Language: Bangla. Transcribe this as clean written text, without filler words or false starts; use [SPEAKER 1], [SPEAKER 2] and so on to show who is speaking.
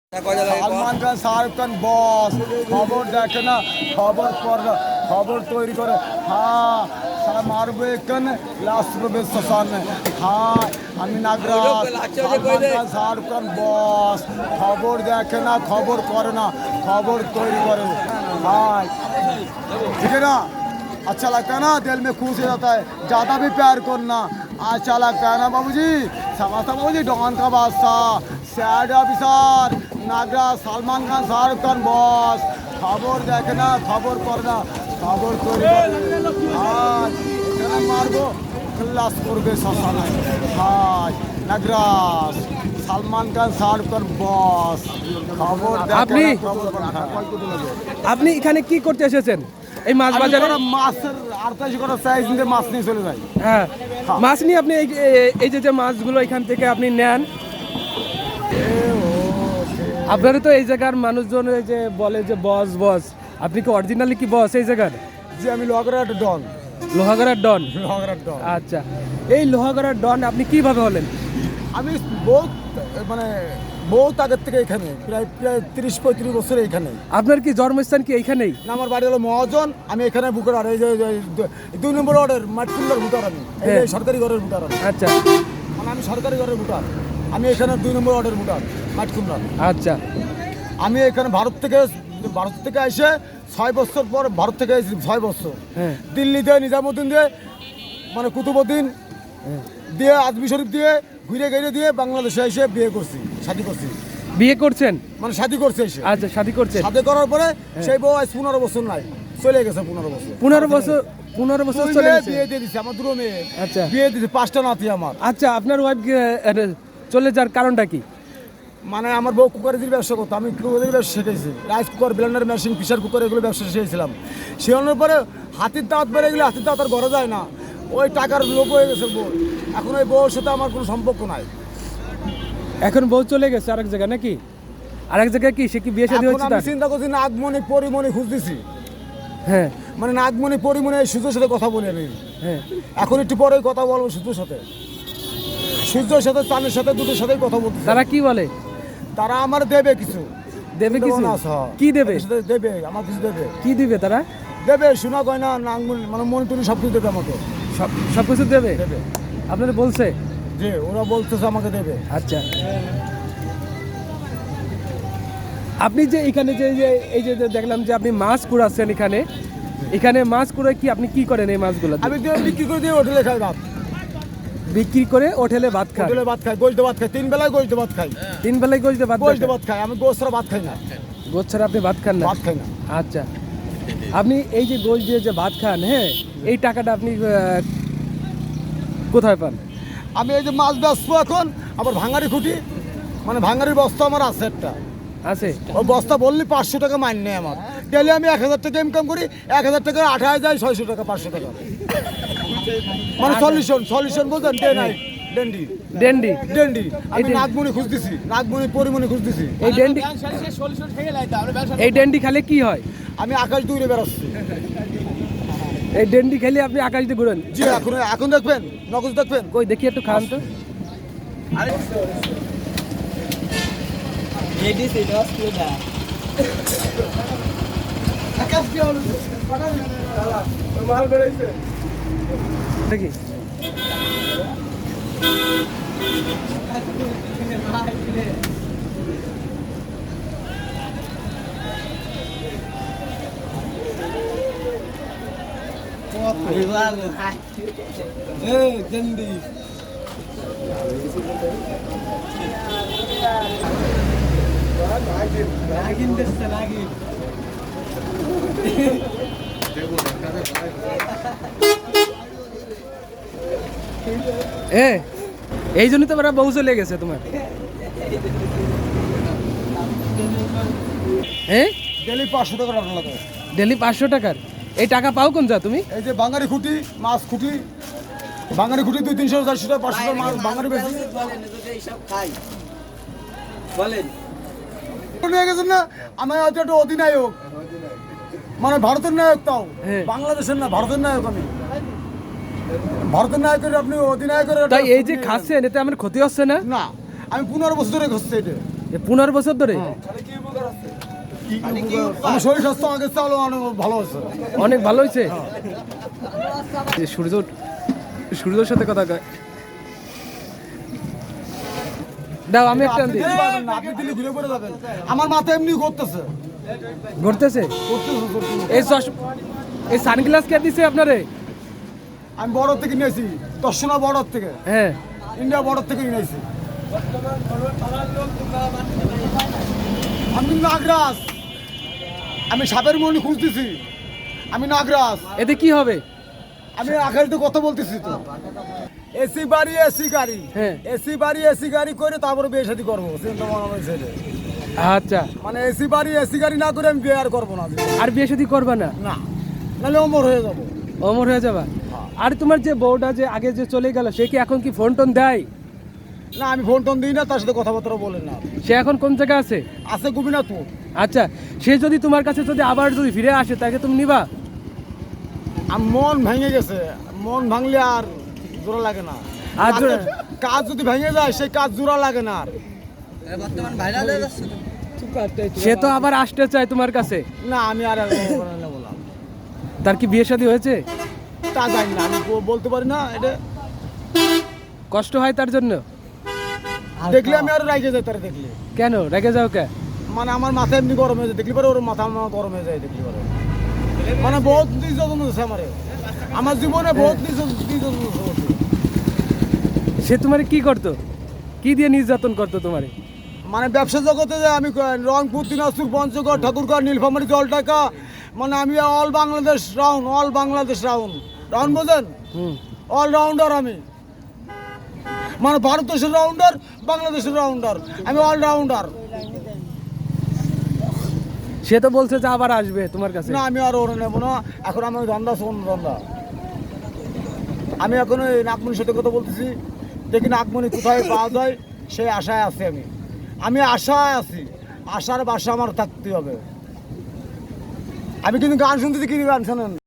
[SPEAKER 1] সালমান খান শাহরুখ খান বস খবর দেখে না, খবর পড়ে, খবর তৈরি করে। হ্যাঁ সারা মারবো এখানে লাস্ট প্রবেশ শ্মশানে। হ্যাঁ আমি নাগরাজ। সালমান খান শাহরুখ খান বস খবর দেখে না, খবর করে না, খবর तैयारी करे। हाँ ठीक है ना, अच्छा लगता है ना, दिल में खुश हो जाता है, ज़्यादा भी प्यार करना अच्छा लगता है ना बाबूजी। समझता बाबूजी, डॉन का बादशाह, sad officer, Nagraj, Salman Khan, Shahrukh Khan boss खबर देखे ना, खबर करना, खबर तैयारी करे। हाँ এখানে মারবো ক্লাস করবে শ্মশানে। हाँ नागराज, सलमान खान, शाहरुख खान बॉस খবর
[SPEAKER 2] আপনি
[SPEAKER 1] আপনি
[SPEAKER 2] এখানে কি করতে এসেছেন? এই মাছ বাজারে
[SPEAKER 1] মাছের 28 করে সাইজ নিয়ে মাছ নিয়ে চলে যায়।
[SPEAKER 2] হ্যাঁ, মাছ নিয়ে আপনি এই যে মাছগুলো এখান থেকে আপনি নেন, আপনারা তো এই জায়গার মানুষজন এই যে বলে যে বস বস, আপনি কি অরিজিনালি কি বস এই জায়গার?
[SPEAKER 1] যে আমি লোহাগড়ার ডন।
[SPEAKER 2] লোহাগড়ার ডন?
[SPEAKER 1] লোহাগড়ার ডন।
[SPEAKER 2] আচ্ছা, এই লোহাগড়ার ডন আপনি কিভাবে হলেন?
[SPEAKER 1] আমি বহুত আগের থেকে এখানে, প্রায় 30-35 বছর এইখানে।
[SPEAKER 2] আপনার কি জন্মস্থান কি এইখানেই?
[SPEAKER 1] না, আমার বাড়ি হলো মহাজন। আমি এখানে বুকার, আর এই যে 2 নম্বর ওয়ার্ডের মাঠকুল্লার বুটার, আমি এই সরকারি ঘরের বুটার।
[SPEAKER 2] আচ্ছা,
[SPEAKER 1] মানে আমি সরকারি ঘরের বুটার, আমি এখানে 2 নম্বর ওয়ার্ডের বুটার মাঠকুল্লার।
[SPEAKER 2] আচ্ছা,
[SPEAKER 1] আমি এখানে ভারত থেকে এসে 6 বছর পর, ভারত থেকে এসেছি 6 বছর।
[SPEAKER 2] হ্যাঁ,
[SPEAKER 1] দিল্লিতে নিজামুদ্দিন দিয়ে, মানে কুতুবুদ্দিন দিয়ে, আজমি শরীফ দিয়ে, ঘুরে ঘিরে দিয়ে বাংলাদেশে এসে বিয়ে করছি, শাদি করছি।
[SPEAKER 2] বিয়ে করছেন?
[SPEAKER 1] মানে শাদি করছে এসে।
[SPEAKER 2] আচ্ছা, শাদি করছেন।
[SPEAKER 1] শাদি করার পরে সেই বউ আজ 15 বছর নাই, চলে গেছে 15 বছর।
[SPEAKER 2] 15 বছর চলে গেছে।
[SPEAKER 1] বিয়ে দিয়ে দিচ্ছে আমার 2 মেয়ে।
[SPEAKER 2] আচ্ছা,
[SPEAKER 1] বিয়ে দিচ্ছে 5টা নাতি আমার।
[SPEAKER 2] আচ্ছা, আপনার ওয়াইফ চলে যাওয়ার কারণটা কি?
[SPEAKER 1] মানে আমার বউ কুকারের ব্যবসা করতো, আমি কুকারের ব্যবসা শিখেছি, rice cooker, blender machine, pressure cooker, এগুলো ব্যবসা শিখেছিলাম। শেখানোর পরে হাতির দাঁত বেড়ে গেলে হাতির দাঁত আর ঘরে যায় না, ওই টাকার লোভ হয়ে গেছে বউ। এখন ওই বউর সাথে আমার কোনো সম্পর্ক নাই।
[SPEAKER 2] এখন বউ চলে গেছে আরেক জায়গায় নাকি? আরেক জায়গায় কি সে কি বিয়ে শাদী হচ্ছে?
[SPEAKER 1] আমি চিন্তা করছি নাগমণি পরিমণি খুঁজতেছি।
[SPEAKER 2] হ্যাঁ,
[SPEAKER 1] মানে নাগমণি পরিমণি সূর্যের সাথে কথা বলি আমি।
[SPEAKER 2] হ্যাঁ,
[SPEAKER 1] এখন একটু পরে কথা বলবো সূর্যের সাথে, সূর্যের সাথে, চাঁদের সাথে, দুটোর সাথেই কথা বলতে।
[SPEAKER 2] তারা কি বলে?
[SPEAKER 1] তারা আমার দেবে কিছু।
[SPEAKER 2] দেবে কিছু? কি দেবে?
[SPEAKER 1] দেবে আমার কিছু দেবে।
[SPEAKER 2] কি দিবে তারা?
[SPEAKER 1] দেবে সোনা গয়না, নাগমণি, মানে মণিটুনি সব কিছু দেবে আমাকে।
[SPEAKER 2] সব কিছু দেবে?
[SPEAKER 1] দেবে।
[SPEAKER 2] আপনাদের বলছে
[SPEAKER 1] যে ওরা বলতেছে আমাকে দেবে।
[SPEAKER 2] আচ্ছা, আপনি যে এখানে এই যে দেখলাম যে আপনি মাছ কুড়াচ্ছেন এখানে মাছ কুড়ে কি আপনি কি করেন এই মাছগুলো?
[SPEAKER 1] আমি বিক্রি করে দিয়ে হোটেলে খাই ভাত।
[SPEAKER 2] বিক্রি করে হোটেলে ভাত খাই?
[SPEAKER 1] হোটেলে ভাত খাই, গোস্ত ভাত খাই, 3 বেলায় গোস্ত ভাত খাই।
[SPEAKER 2] 3 বেলায় গোস্ত ভাত
[SPEAKER 1] খাই? আমি গোস্ত ছাড়া ভাত খাই না।
[SPEAKER 2] গোস্ত ছাড়া আপনি ভাত খান না?
[SPEAKER 1] ভাত খাই না।
[SPEAKER 2] আচ্ছা, আপনি এই যে গোস্ত দিয়ে যে ভাত খান, হ্যাঁ, এই টাকাটা আপনি কোথায় পান?
[SPEAKER 1] আমি এই যে মাছ বেচবো এখন, আবার ভাঙারি খুঁটি, মানে ভাঙারির বস্তা আমার আছে একটা।
[SPEAKER 2] আছে?
[SPEAKER 1] ওই বস্তা বললি 500 টাকা মাইন নেই আমার। ডেলি আমি 1000 টাকা ইনকাম করি, 1000 টাকা 28 যায় 600 টাকা, 500 টাকা, মানে সলিউশন বলছেন। ডেন্ডি আমি নাগমণি খুঁজতেছি, নাগমণি পরিমণি খুঁজতেছি।
[SPEAKER 2] এই ডেন্ডি খেলে কি হয়?
[SPEAKER 1] আমি আকাশ দূরে বেরোচ্ছি।
[SPEAKER 2] এই ডেন্ডি খেলে আপনি আকাশ দিয়ে ঘুরেন?
[SPEAKER 1] জি, এখন দেখবেন, নগদ দেখবেন।
[SPEAKER 2] কই দেখি একটু খান তো। দেখি এই জন্যই তো ওরা বউ চলে গেছে তোমার। হ্যাঁ,
[SPEAKER 1] ডেলি 500 টাকা রান্না লাগে।
[SPEAKER 2] ডেলি 500 টাকার? এই টাকা পাও কোন যা তুমি?
[SPEAKER 1] এই যে বাঙালি খুঁটি, মাছ খুঁটি, বাঙালি খুঁটি 200, 300, 400 টাকা, 500 টাকা মাছ বাঙালি বেশি বলেন। নিয়ে গেছেন না, আমি হয়তো একটা অধিনায়ক, মানে ভারতের নায়ক, তাও বাংলাদেশের না, ভারতের নায়ক। আমি ভারতের নায়কের, আপনি অধিনায়কের।
[SPEAKER 2] তাই এই যে খাচ্ছেন এতে আমার ক্ষতি হচ্ছে না?
[SPEAKER 1] না, আমি 15 বছর ধরে খাচ্ছি এটা।
[SPEAKER 2] 15 বছর ধরে
[SPEAKER 1] আমার শরীর স্বাস্থ্য আগে চালু অনেক ভালো আছে।
[SPEAKER 2] অনেক ভালো হয়েছে। যে সূর্যর সাথে কথা কয় দাও, আমি একটা
[SPEAKER 1] আপনি
[SPEAKER 2] দিই।
[SPEAKER 1] দিতে পারবেন না, আপনি দিলে ঘুরে পড়ে যাবেন। আমার মাথা এমনি করতেছে
[SPEAKER 2] ঘুরতেছে। এই সানগ্লাস কে দিছে আপনারে?
[SPEAKER 1] আমি বড় থেকে নিয়েছি, দর্শনা বর্ডার থেকে,
[SPEAKER 2] হ্যাঁ,
[SPEAKER 1] ইন্ডিয়া বর্ডার থেকে নিয়েছি। আমি নাগরাজ, আমি সাপের মনি খুঁজতেছি, আমি নাগরাজ।
[SPEAKER 2] এতে কি হবে?
[SPEAKER 1] আমি আখেরিতে কথা বলতেছি তো। এসি বাড়ি এসি গাড়ি,
[SPEAKER 2] হ্যাঁ।
[SPEAKER 1] এসি বাড়ি এসি গাড়ি করে তারপরে বিয়ে শাদী করবো, চিন্তা ভাবনা আমার ছেলে।
[SPEAKER 2] আচ্ছা,
[SPEAKER 1] মানে এসি বাড়ি এসি গাড়ি না করে আমি বিয়ে আর করবো না।
[SPEAKER 2] আর বিয়ে শাদী করবা না?
[SPEAKER 1] না, নাহলে অমর হয়ে যাবো।
[SPEAKER 2] অমর হয়ে যাবা। আর তোমার যে বউটা যে আগে যে চলে গেল, সে কি এখন কি ফোন টোন দেয়?
[SPEAKER 1] না, আমি ফোন টোন দিই না, তার সাথে কথাবার্তা বলেন না।
[SPEAKER 2] সে এখন কোন জায়গায় আছে?
[SPEAKER 1] আছে গোপীনাথপুর।
[SPEAKER 2] আচ্ছা, সে যদি তোমার কাছে যদি আবার যদি ফিরে আসে, তাকে তুমি নিবা?
[SPEAKER 1] আর মন ভেঙে গেছে, মন ভাঙলে আর জোড়া লাগে না।
[SPEAKER 2] আর
[SPEAKER 1] কাজ যদি ভেঙে যায়, সেই কাজ জোড়া লাগে না আর।
[SPEAKER 2] সে তো আবার আসতে চায় তোমার কাছে।
[SPEAKER 1] না, আমি আর বললাম
[SPEAKER 2] তার কি বিয়ে শাদী হয়েছে?
[SPEAKER 1] তা জানি না, আমি বলতে পারি না। এটা
[SPEAKER 2] কষ্ট হয় তার জন্য?
[SPEAKER 1] দেখলে আমি আরো রাগে যাই, তারা দেখলে।
[SPEAKER 2] কেন রেগে যাও কে?
[SPEAKER 1] মানে আমার মাথা এমনি গরম হয়ে যায় দেখলি পরে, ওর মাথা আমার গরম হয়ে যায় দেখলি পরে। মানে বহুত নির্যাতন হয়েছে আমারে, আমার জীবনে বহুত নির্যাতন হয়েছে।
[SPEAKER 2] সে তোমারে কি করতো? কি দিয়ে নির্যাতন করতো তোমারে?
[SPEAKER 1] মানে ব্যবসা জগতে যে আমি রংপুর, দিনাজপুর, পঞ্চগড়, ঠাকুরগাঁও, নীলফামারী, জলঢাকা, মানে আমি all Bangladesh round, all Bangladesh round. Round বোঝেন? অলরাউন্ডার আমি। মানে ভারতবর্ষের রাউন্ডার, বাংলাদেশের রাউন্ডার, আমি অলরাউন্ডার।
[SPEAKER 2] সে তো বলছে যে আবার আসবে তোমার কাছে।
[SPEAKER 1] না, আমি আর ওরা নেবো না। এখন আমি ধন্দা শোন ধন্দা। আমি এখন ওই নাগমণির সাথে কথা বলতেছি, দেখি নাগমণি কোথায় পাওয়া যায়, সেই আশায় আছি আমি। আমি আশায় আছি, আশার বাসা আমার থাকতে হবে। আমি কিন্তু গান শুনতেছি, কি গান শোনেন?